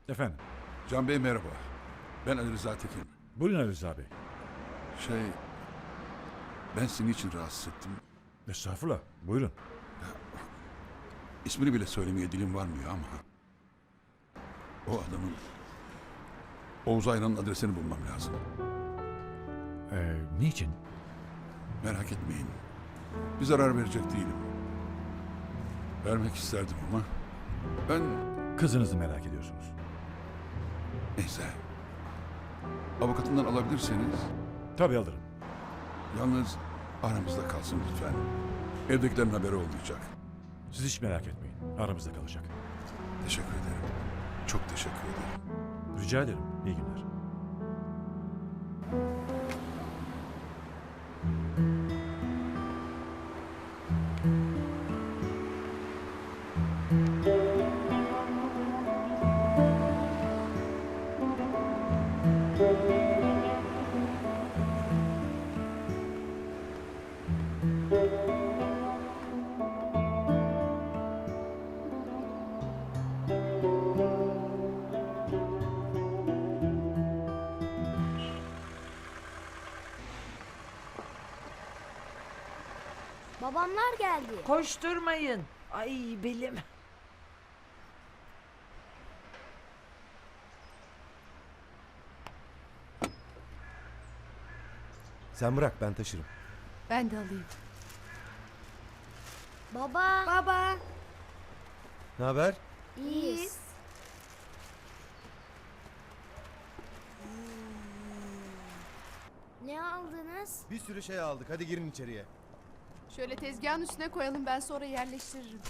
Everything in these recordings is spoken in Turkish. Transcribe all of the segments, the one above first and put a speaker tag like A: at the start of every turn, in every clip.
A: Efendim,
B: Can Bey merhaba. Ben Ali Rıza Tekin.
A: buyurun Ali Rıza Bey.
B: Ben seni için rahatsız ettim.
A: Estağfurullah, buyurun.
B: İsmini bile söylemeye dilim varmıyor ama... O adamın... Oğuz Ayran'ın adresini bulmam lazım.
A: Niçin?
B: Merak etmeyin. Bir zarar verecek değilim. Vermek isterdim ama... Ben...
A: Kızınızı merak ediyorsunuz.
B: Neyse. Avukatından alabilirseniz...
A: Tabii alırım.
B: Yalnız aramızda kalsın lütfen. Evdekilerin haberi olmayacak.
A: Siz hiç merak etmeyin, aramızda kalacak.
B: Teşekkür ederim. Çok teşekkür ederim.
A: Rica ederim, iyi günler.
C: Babamlar geldi.
D: Koşturmayın. Ay belim.
E: Sen bırak, ben taşırım.
F: Ben de alayım.
C: Baba.
F: Baba.
E: Ne haber?
C: İyiyiz. Ne aldınız?
E: Bir sürü şey aldık. Hadi girin içeriye.
F: Şöyle tezgahın üstüne koyalım, ben sonra yerleştiririm.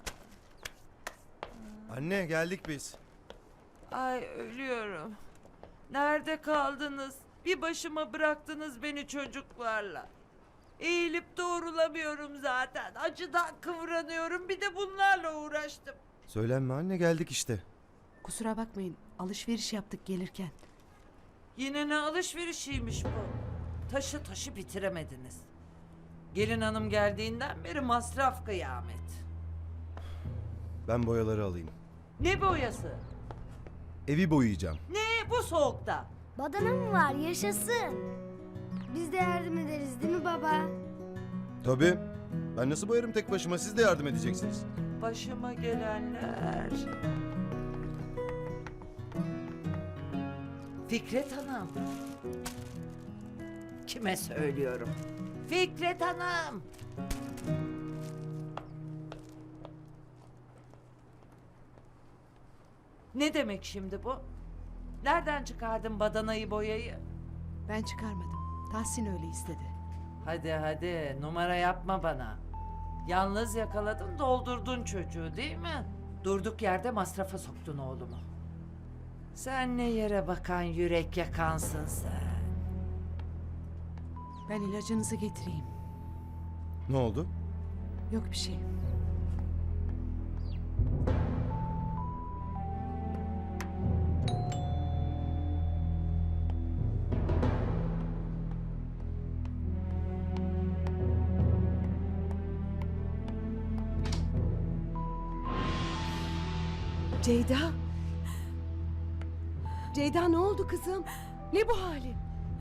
E: Anne, geldik biz.
D: Ay ölüyorum. Nerede kaldınız? Bir başıma bıraktınız beni çocuklarla. Eğilip doğrulamıyorum zaten. Acıdan kıvranıyorum. Bir de bunlarla uğraştım.
E: Söylenme anne, geldik işte.
F: Kusura bakmayın, alışveriş yaptık gelirken.
D: Yine ne alışverişiymiş bu? Taşı bitiremediniz. Gelin hanım geldiğinden beri masraf kıyamet.
E: Ben boyaları alayım.
D: Ne boyası?
E: Evi boyayacağım.
D: Ne bu soğukta?
C: Badana mı var? Yaşasın. Biz de yardım ederiz değil mi baba?
E: Tabii. Ben nasıl boyarım tek başıma? Siz de yardım edeceksiniz.
D: Başıma gelenler. Fikret Hanım. Kime söylüyorum? Fikret Hanım. Ne demek şimdi bu? Nereden çıkardın badanayı boyayı?
F: Ben çıkarmadım. Tahsin öyle istedi.
D: Hadi numara yapma bana. Yalnız yakaladın doldurdun çocuğu değil mi? Durduk yerde masrafa soktun oğlumu. Sen ne yere bakan yürek yakansın sen.
F: Ben ilacınızı getireyim.
E: Ne oldu?
F: Yok bir şey. Ceyda. Ceyda, ne oldu kızım? Ne bu halin?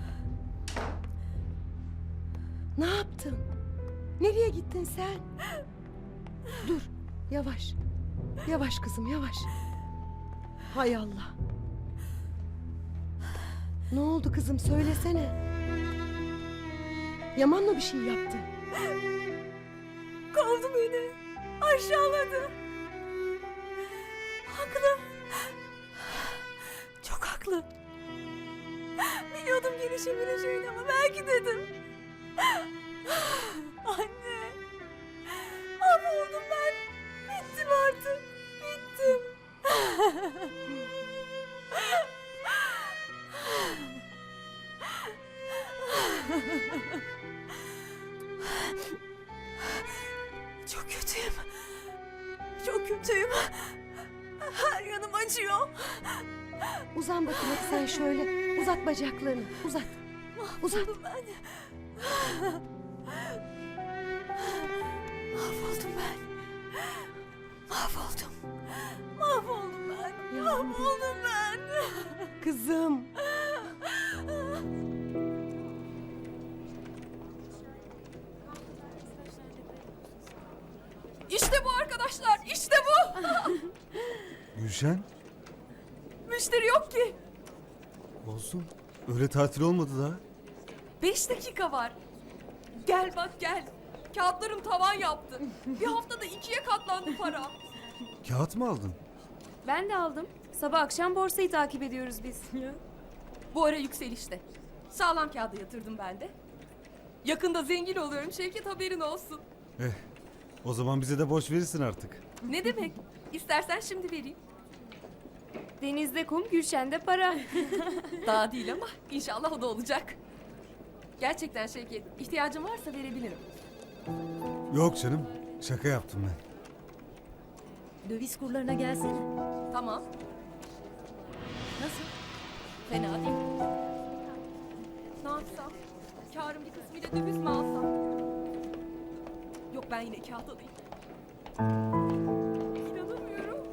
F: Ne yaptın? Nereye gittin sen? Dur, yavaş. Yavaş kızım, yavaş. Hay Allah. Ne oldu kızım, söylesene. Yaman mı bir şey yaptı?
G: Kovdu beni. Aşağıladı. Haklı. Çok haklı. Biliyordum gelişebileceğini ama belki dedim. Anne. Mahvoldum ben. Bittim artık. Bittim. Çok kötüyüm. Çok kötüyüm. Her yanım acıyor.
F: Uzan bakayım hadi sen şöyle. Uzat bacaklarını, uzat. Uzat.
G: Mahvoldum ben. Mahvoldum ben. Mahvoldum. Mahvoldum ben. Mahvoldum ben.
F: Kızım.
G: İşte bu arkadaşlar, işte bu.
E: Gülşen.
G: Müşteri yok ki.
E: Olsun. Öyle tatil olmadı daha.
G: 5 dakika var. Gel bak gel. Kağıtlarım tavan yaptı. Bir haftada 2'ye katlandı para.
E: Kağıt mı aldın?
H: Ben de aldım. Sabah akşam borsayı takip ediyoruz biz.
G: Bu ara yükselişte. Sağlam kağıda yatırdım ben de. Yakında zengin oluyorum Şevket, haberin olsun.
E: O zaman bize de borç verirsin artık.
G: Ne demek? İstersen şimdi vereyim.
H: Denizde kum, Gülşen'de para.
G: Daha değil ama inşallah o da olacak. Gerçekten Şevket, ihtiyacın varsa verebilirim.
E: Yok canım. Şaka yaptım ben.
H: Döviz kurlarına gelsene.
G: Tamam. Nasıl? Fena değil. Ne yapsam? Kârın bir kısmıyla döviz mi alsam? Yok, ben yine kağıt alayım. İnanamıyorum.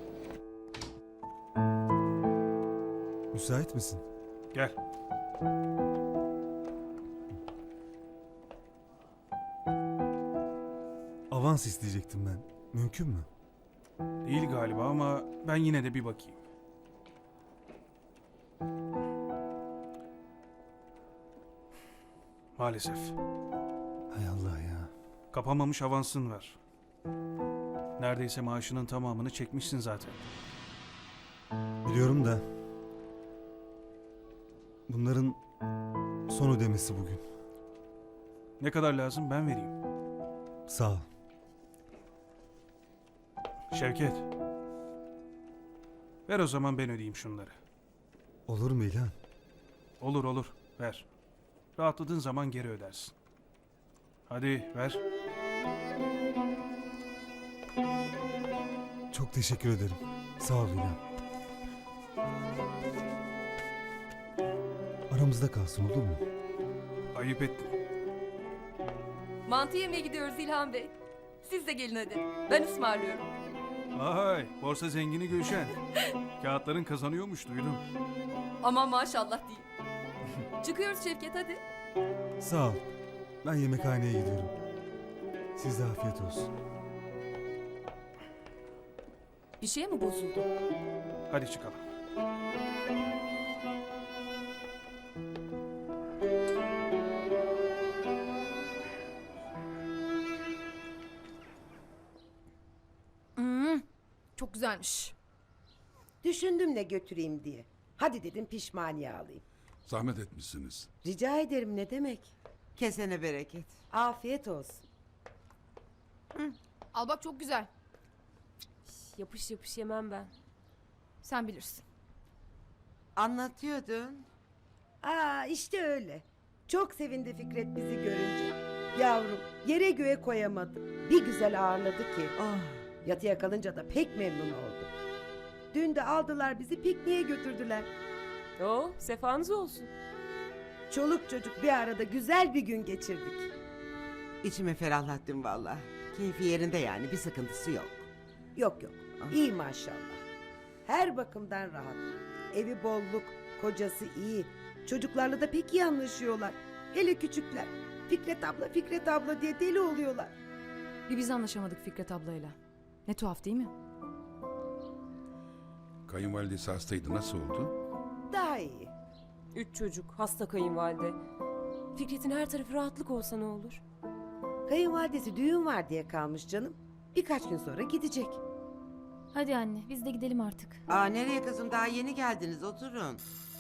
E: Müsait misin?
I: Gel.
E: Avans isteyecektim ben. Mümkün mü?
I: Değil galiba ama ben yine de bir bakayım. Maalesef.
E: Hay Allah ya.
I: Kapamamış avansın var. Neredeyse maaşının tamamını çekmişsin zaten.
E: Biliyorum da. Bunların son ödemesi bugün.
I: Ne kadar lazım ben vereyim.
E: Sağ ol.
I: Şevket. Ver o zaman ben ödeyeyim şunları.
E: Olur mu İlhan?
I: Olur olur ver. Rahatladığın zaman geri ödersin. Hadi ver.
E: Çok teşekkür ederim. Sağ ol İlhan. Aramızda kalsın olur mu?
I: Ayıp ettin.
G: Mantı yemeye gidiyoruz İlhan Bey. Siz de gelin hadi. Ben ısmarlıyorum.
I: Vay borsa zengini Gülşen. Kağıtların kazanıyormuş duydum.
G: Aman maşallah değil. Çıkıyoruz Şevket, hadi.
E: Sağ ol. Ben yemekhaneye gidiyorum. Size afiyet olsun.
G: Bir şey mi bozuldu?
I: Hadi çıkalım.
G: Çok güzelmiş.
J: Düşündüm ne götüreyim diye. Hadi dedim pişmaniye alayım.
B: Zahmet etmişsiniz.
J: Rica ederim, ne demek.
K: Kesene bereket.
J: Afiyet olsun.
G: Al bak, çok güzel.
H: Yapış yapış yemem ben.
G: Sen bilirsin.
K: Anlatıyordun.
J: Aa, işte öyle. Çok sevindi Fikret bizi görünce. Yavrum, yere göğe koyamadı. Bir güzel ağırladı ki.
K: Oh,
J: Yatıya kalınca da pek memnun oldu. Dün de aldılar bizi pikniğe götürdüler.
H: Oo, sefanız olsun.
J: Çoluk çocuk bir arada güzel bir gün geçirdik.
K: içimi ferahlattın vallahi. Keyfi yerinde yani, bir sıkıntısı yok.
J: Yok yok, iyi maşallah. Her bakımdan rahat. Evi bolluk, kocası iyi. Çocuklarla da pek iyi anlaşıyorlar. Hele küçükler. Fikret abla diye deli oluyorlar.
G: Bir biz anlaşamadık Fikret ablayla. Ne tuhaf değil mi?
B: Kayınvalidesi hastaydı, nasıl oldu?
J: Daha iyi.
H: 3 çocuk, hasta kayınvalide. Fikret'in her tarafı rahatlık olsa ne olur?
J: Kayınvalidesi düğün var diye kalmış canım. Birkaç gün sonra gidecek.
H: Hadi anne, biz de gidelim artık.
K: Aa, nereye kızım, daha yeni geldiniz, oturun.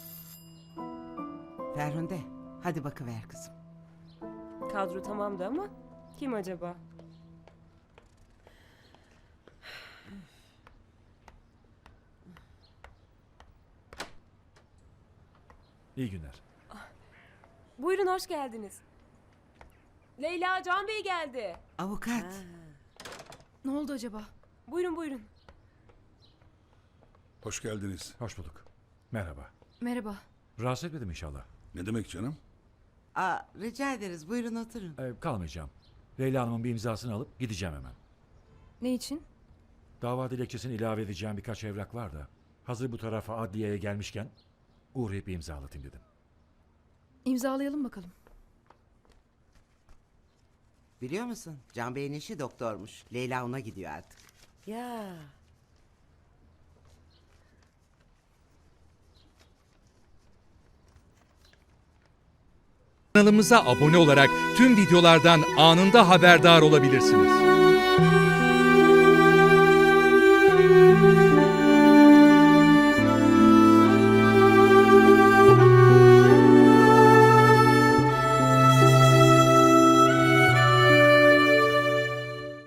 K: Ferhunde, hadi bakıver kızım.
H: Kadro tamamdı ama kim acaba?
A: İyi günler.
H: Buyurun, hoş geldiniz. Leyla, Can Bey geldi.
K: Avukat.
G: Ne oldu acaba?
H: Buyurun buyurun.
B: Hoş geldiniz.
A: Hoş bulduk. Merhaba.
G: Merhaba.
A: Rahatsız etmedim inşallah.
B: Ne demek canım?
K: Aa, rica ederiz, buyurun oturun.
A: Kalmayacağım. Leyla Hanım'ın bir imzasını alıp gideceğim hemen.
G: Ne için?
A: Dava dilekçesini ilave edeceğim birkaç evrak var da. Hazır bu tarafa adliyeye gelmişken Uğrayıp bir imzalatayım dedim.
G: İmzalayalım bakalım.
K: Biliyor musun? Can Bey'in eşi doktormuş. Leyla ona gidiyor artık.
J: Ya.
L: Kanalımıza abone olarak tüm videolardan anında haberdar olabilirsiniz.